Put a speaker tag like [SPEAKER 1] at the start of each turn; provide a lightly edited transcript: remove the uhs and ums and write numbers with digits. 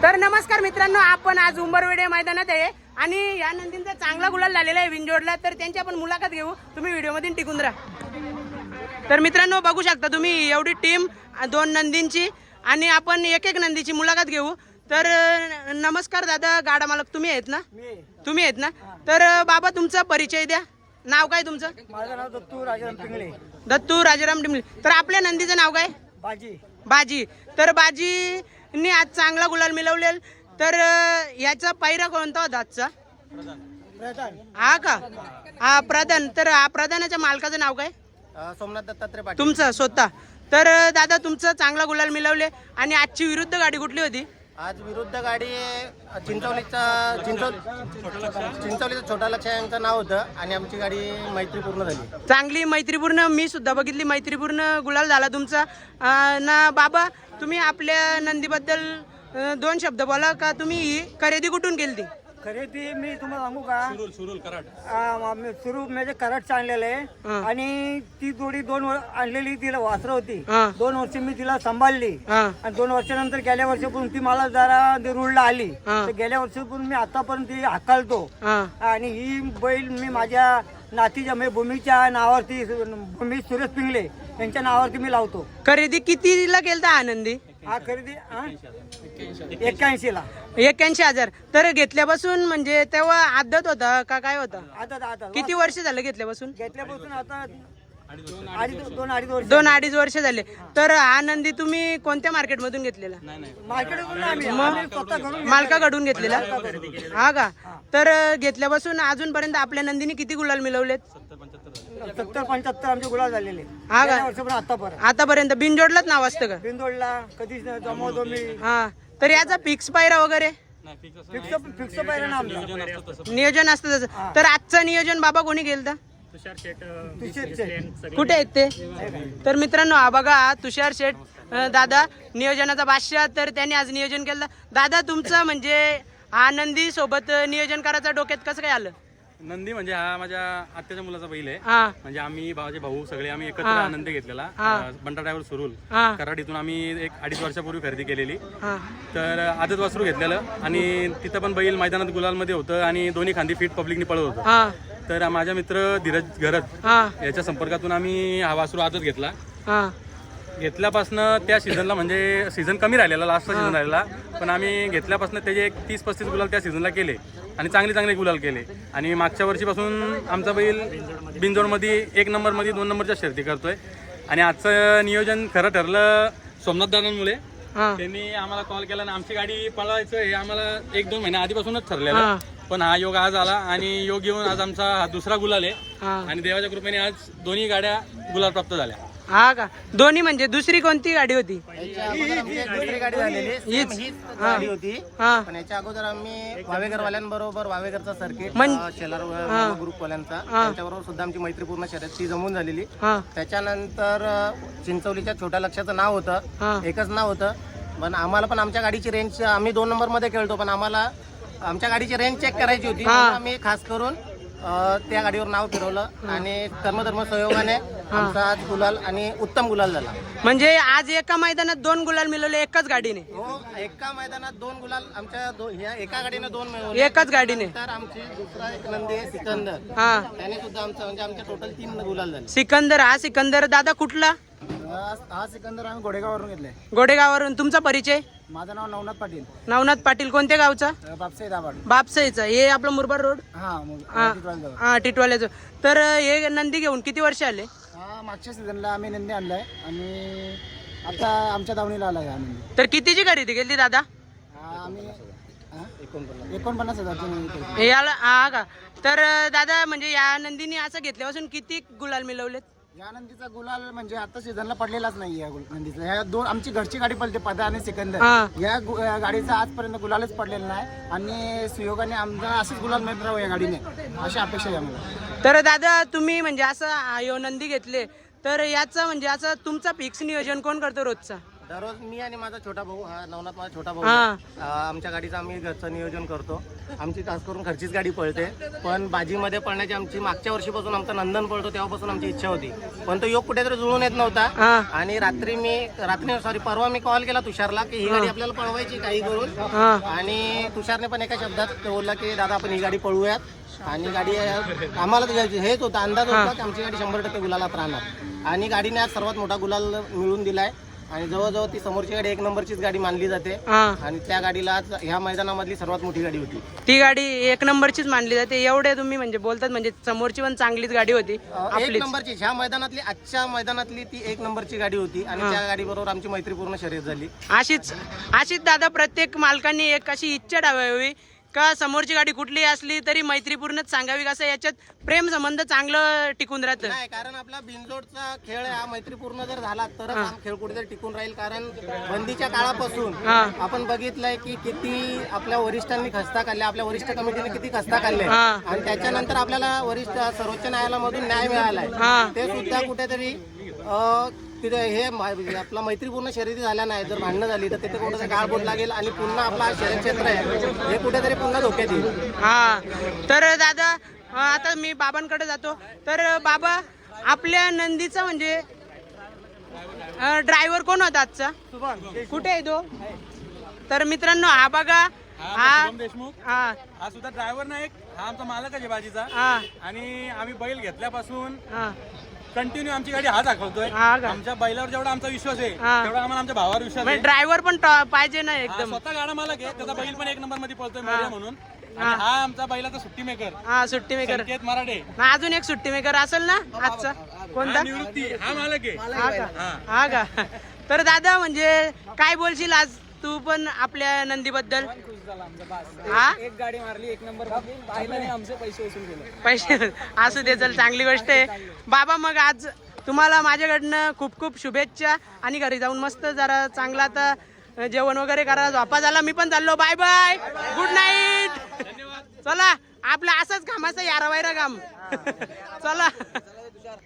[SPEAKER 1] तर नमस्कार मित्रांनो, आपण आज उंबरवेडे मैदानात आहे आणि या नंदींचा चांगला गुलाल झालेला आहे विंजोडला. तर त्यांची आपण मुलाखत घेऊ. तुम्ही व्हिडिओमध्ये टिकून राहा. तर मित्रांनो बघू शकता तुम्ही एवढी टीम, दोन नंदींची आणि आपण एक एक नंदीची मुलाखत घेऊ. तर नमस्कार दादा, गाडा मालक तुम्ही आहेत ना? तुम्ही आहेत ना? तर बाबा तुमचा परिचय द्या. नाव काय तुमचं?
[SPEAKER 2] माझं नाव दत्तू राजाराम पिंगळे.
[SPEAKER 1] दत्तू राजाराम टिंबले. तर आपल्या नंदीचं नाव काय?
[SPEAKER 2] बाजी.
[SPEAKER 1] बाजी. तर बाजीनी आज चांगला गुलाल मिळवलेल. तर याचा पायरा कोणता होता आजचा?
[SPEAKER 2] प्रधान.
[SPEAKER 1] हा का? हा प्रधान. तर हा प्रधानाच्या मालकाचं नाव काय?
[SPEAKER 2] सोमनाथ दत्तात्रय पाटील.
[SPEAKER 1] तुमचं स्वतः. तर दादा तुमचं चांगला गुलाल मिळवले आणि आजची विरुद्ध गाडी कुठली होती?
[SPEAKER 2] आज विरुद्ध गाडी चिंचवलीचा छोटा लक्ष यांचं नाव होतं आणि आमची गाडी मैत्रीपूर्ण झाली.
[SPEAKER 1] चांगली मैत्रीपूर्ण, मी सुद्धा बघितली, मैत्रीपूर्ण गुलाल झाला तुमचा. ना बाबा तुम्ही आपल्या नंदीबद्दल दोन शब्द बोला. का तुम्ही ही खरेदी कुठून केली?
[SPEAKER 2] खरेदी मी तुम्हाला सांगू का? सुरुल कराड. म्हणजे कराडचं आणलेलं आहे आणि ती जोडी आणलेली तिला वासरं होती. 2 वर्ष मी तिला सांभाळली आणि 2 वर्षानंतर गेल्या वर्षापासून ती मला जरा रुळला आली. तर गेल्या वर्षापासून मी आतापर्यंत ती हाकालतो आणि ही बैल मी माझ्या नातीच्या म्हणजे भूमीच्या नावावरती, भूमी सुरेश पिंगळे यांच्या नावावरती मी लावतो.
[SPEAKER 1] खरेदी कितीला केलता आनंदी?
[SPEAKER 2] हा खरेदी 81 ला.
[SPEAKER 1] 81,000. तर घेतल्यापासून म्हणजे तेव्हा आदत होता का काय होता?
[SPEAKER 2] आता
[SPEAKER 1] किती वर्ष झालं घेतल्यापासून?
[SPEAKER 2] घेतल्यापासून आता 2-2.5 वर्ष.
[SPEAKER 1] 2-2.5 वर्ष झाले. तर हा नंदी तुम्ही कोणत्या मार्केट मधून घेतलेला?
[SPEAKER 2] मार्केटमधून आम्ही स्वतः घरून
[SPEAKER 1] मालकाकडून घेतलेला. हा का? तर घेतल्यापासून अजूनपर्यंत आपल्या नंदीने किती गुलाल मिळवलेत?
[SPEAKER 2] 70-75 आमचे गुलाल झालेले.
[SPEAKER 1] हा का?
[SPEAKER 2] आतापर्यंत
[SPEAKER 1] आतापर्यंत बिनजोडलाच नाव असतं का?
[SPEAKER 2] बिंदोडला कधीच जमवतो मी.
[SPEAKER 1] हा. तर याचा फिक्स पायरा वगैरे
[SPEAKER 2] फिक्स पाहिजे ना आमचं
[SPEAKER 1] नियोजन असतं तसं. तर आजचं नियोजन बाबा कोणी केलं? कुठे आहेत ते? तर मित्रांनो हा बघा तुषार शेठ दादा, नियोजनाचा बादशाह. तर त्यांनी आज नियोजन केलं. दादा तुमचं म्हणजे हा नंदी सोबत नियोजन करायचं डोक्यात कसं काय आलं?
[SPEAKER 3] नंदी म्हणजे हा माझ्या आत्याच्या मुलाचा बैल आहे.
[SPEAKER 1] हा.
[SPEAKER 3] म्हणजे आम्ही माझे भाऊ सगळे आम्ही एकत्र आनंद घेतलेला. बंटा ड्रायव्हर सुरुल कराड इथून आम्ही 1-2.5 वर्षापूर्वी खरेदी केलेली. तर आजच वासरू घेतलेलं आणि तिथं पण बैल मैदानात गुलालमध्ये होतं आणि दोन्ही खांदी फिट पब्लिकनी पळत होतं. तर माझा मित्र धीरज घरत याच्या संपर्कातून आम्ही हा वासरू आजच घेतला. घेतल्यापासनं त्या सीझनला म्हणजे सीझन कमी राहिलेला, लास्टचा सीझन राहिलेला, पण आम्ही घेतल्यापासून त्याचे एक 30-35 गुलाल त्या सीझनला केले आणि चांगले गुलाल केले. आणि मागच्या वर्षीपासून आमचा बैल बिंजोडमध्ये 1 नंबरमध्ये 2 नंबरच्या शर्ती करतोय. आणि आजचं नियोजन खरं ठरलं सोमनाथ दादांमुळे. त्यांनी आम्हाला कॉल केला आणि आमची गाडी पळवायचं हे आम्हाला 1-2 महिन्या आधीपासूनच ठरलेलं, पण हा योग आज आला आणि योग येऊन आज आमचा हा दुसरा गुलाल आहे आणि देवाच्या कृपेने आज दोन्ही गाड्या गुलाल प्राप्त झाल्या.
[SPEAKER 1] हा का? दोन्ही म्हणजे दुसरी कोणती गाडी होती?
[SPEAKER 2] दुसरी गाडी झालेली हीच गाडी होती. पण याच्या अगोदर आम्ही वावेकरवाल्यांबरोबर, वावेकरचा सर्किट शेलार ग्रुपवाल्यांचा, त्यांच्याबरोबर सुद्धा आमची मैत्रीपूर्ण शर्यत ती जमून झालेली. त्याच्यानंतर चिंचवलीच्या छोट्या लक्षाचं नाव होतं, एकच नाव होतं. पण आम्हाला पण आमच्या गाडीची रेंज, आम्ही 2 नंबरमध्ये खेळतो, पण आम्हाला आमच्या गाडीची रेंज चेक करायची होती. आम्ही खास करून त्या गाडीवर नाव फिरवलं आणि कर्मधर्म सहयोगाने आमचा आज गुलाल आणि उत्तम गुलाल झाला.
[SPEAKER 1] म्हणजे आज एका मैदानात 2 गुलाल मिळवले एकाच गाडीने?
[SPEAKER 2] हो, एका मैदानात 2 गुलाल आमच्या एका गाडीने 2 मिळवले
[SPEAKER 1] एकाच गाडीने.
[SPEAKER 2] तर आमची दुसरा एक नंदी आहे सिकंदर, त्याने सुद्धा आमचा म्हणजे आमच्या टोटल 3 गुलाल झाले.
[SPEAKER 1] सिकंदर. हा सिकंदर दादा कुठला?
[SPEAKER 2] हा सिकंदर आम्ही गोडेगाववरून घेतलाय.
[SPEAKER 1] गोडेगाववरून. तुमचा परिचय?
[SPEAKER 2] माझं नाव नवनाथ पाटील.
[SPEAKER 1] नवनाथ पाटील. कोणत्या गावचा?
[SPEAKER 2] बापसाई दाभाड.
[SPEAKER 1] बापसाईचा. हे आपलं मुरबाड रोड. हा टिटवाल्याचं. तर हे नंदी घेऊन किती वर्ष आले?
[SPEAKER 2] मागच्या सीझनला आम्ही नंदी आणलाय आणि आता आमच्या दावणीला आलाय हा नंदी.
[SPEAKER 1] तर कितीची खरेदी केली दादा?
[SPEAKER 2] आम्ही 49,000
[SPEAKER 1] याला. हा का? तर दादा म्हणजे या नंदीने असं घेतल्यापासून किती गुलाल मिळवलेत?
[SPEAKER 2] या नंदीचा गुलाल म्हणजे आता सीझनला पडलेलाच नाही या नंदीचा. ह्या 2 आमची घरची गाडी पडते, पदा आणि सिकंदर. या गाडीचा आजपर्यंत गुलालच पडलेला नाही आणि सुयोगाने आमचा असंच गुलाल मिळत राहू या गाडीने, अशी अपेक्षा आहे आम्हाला.
[SPEAKER 1] तर दादा तुम्ही म्हणजे असं नंदी घेतले तर याचं म्हणजे असं तुमचा फिक्स नियोजन कोण करतो रोजचा?
[SPEAKER 2] दररोज मी आणि माझा छोटा भाऊ, हा नवनाथ माझा छोटा भाऊ
[SPEAKER 1] हा.
[SPEAKER 2] आहे. आमच्या गाडीचं आम्ही घरचं नियोजन करतो. आमची खास करून घरचीच गाडी पळते, पण बाजीमध्ये पळण्याची आमची मागच्या वर्षीपासून आमचा नंदन पळतो तेव्हापासून आमची इच्छा होती, पण तो योग कुठेतरी जुळून येत नव्हता.
[SPEAKER 1] हा.
[SPEAKER 2] आणि परवा मी कॉल केला तुषारला की ही गाडी आपल्याला पळवायची काही करून.
[SPEAKER 1] हा.
[SPEAKER 2] आणि तुषारने पण एका शब्दात बोलला की दादा आपण ही गाडी पळवूयात. आणि गाडी आम्हाला हेच होता, अंदाज होता की आमची गाडी 100% गुलालात राहणार. आणि गाडीने आज सर्वात मोठा गुलाल मिळवून दिलाय. आणि जवळजवळ ती समोरची गाडी 1 नंबरचीच गाडी मानली जाते.
[SPEAKER 1] हा.
[SPEAKER 2] आणि त्या गाडीला आज ह्या मैदानामधली सर्वात मोठी गाडी होती.
[SPEAKER 1] ती गाडी 1 नंबरचीच मानली जाते. एवढे तुम्ही म्हणजे बोलतात, म्हणजे समोरची पण चांगलीच गाडी होती
[SPEAKER 2] 1 नंबरची ह्या मैदानातली, आजच्या मैदानातली ती 1 नंबरची गाडी होती. आणि त्या गाडीबरोबर आमची मैत्रीपूर्ण शर्यत झाली.
[SPEAKER 1] अशीच दादा प्रत्येक मालकांनी एक अशी इच्छा ठेवावी का समोरची गाडी कुठली असली तरी मैत्रीपूर्णच सांगावी, कसं याच्यात प्रेम संबंध चांगलं टिकून राहतं.
[SPEAKER 2] नाही, कारण आपला बिनजोडचा खेळ हा मैत्रीपूर्ण जर झाला तरच हा खेळ कुठेतरी टिकून राहील. कारण बंदीच्या काळापासून आपण बघितलंय की किती आपल्या वरिष्ठांनी खस्ता काढल्या, आपल्या वरिष्ठ कमिटीने किती खस्ता काढले. आणि त्याच्यानंतर आपल्याला वरिष्ठ सर्वोच्च न्यायालयामधून न्याय मिळालाय. ते सुद्धा कुठेतरी तिथे हे आपला मैत्रीपूर्ण शर्यती झाल्या नाही, जर भांडणं झाली तर तिथे कुठेतरी गाळबोट लागेल आणि पुन्हा आपला शर्यत क्षेत्र आहे हे कुठेतरी पुन्हा धोक्यात येईल.
[SPEAKER 1] हा. तर दादा आता मी बाबांकडे जातो. तर बाबा, आपल्या नंदीचा म्हणजे ड्रायव्हर कोण होता आजचा, कुठे आहे तो? तर मित्रांनो, हा बघा, हा
[SPEAKER 3] देशमुख
[SPEAKER 1] हा
[SPEAKER 3] हा सुद्धा ड्रायव्हर नाही, हा आमचा मालक आहे बाजीचा.
[SPEAKER 1] हा
[SPEAKER 3] आणि आम्ही बैल घेतल्यापासून
[SPEAKER 1] हा
[SPEAKER 3] कंटिन्यू आमची गाडी हा दाखवतोय.
[SPEAKER 1] हा का?
[SPEAKER 3] आमच्या बैलावर जेवढा आमचा विश्वास आहे
[SPEAKER 1] हा.
[SPEAKER 3] तेवढा आम्हाला आमच्या भावावर विश्वास आहे.
[SPEAKER 1] ड्रायव्हर पण पाहिजे ना
[SPEAKER 3] हा
[SPEAKER 1] एकदम.
[SPEAKER 3] स्वतः गाडा मालक आहे, त्याचा बैल पण 1 नंबर मध्ये पळतोय मोर्या म्हणून. आणि हा आमचा बैलाचा सुट्टी मेकर
[SPEAKER 1] हा, सुट्टी मेकर.
[SPEAKER 3] संकेत मराठे.
[SPEAKER 1] अजून एक सुट्टी मेकर असेल ना आजचा, कोणता?
[SPEAKER 3] हा निवृत्ती, हा मालक आहे.
[SPEAKER 1] हा का? हा का? तर दादा, म्हणजे काय बोलशील आज तू पण आपल्या नंदीबद्दल? हा,
[SPEAKER 4] एक गाडी मारली 1 नंबर पाहिलं, आमचे पैसे वसूल केले.
[SPEAKER 1] पैसे असू दे, चल, चांगली गोष्ट आहे. बाबा, मग आज तुम्हाला माझ्याकडनं खूप खूप शुभेच्छा. आणि घरी जाऊन मस्त जरा चांगला आता जेवण वगैरे करा, झोपा झाला. मी पण चाललो. Bye bye, good night. चला, आपलं असंच कामाचं यारा वायरा काम. चला.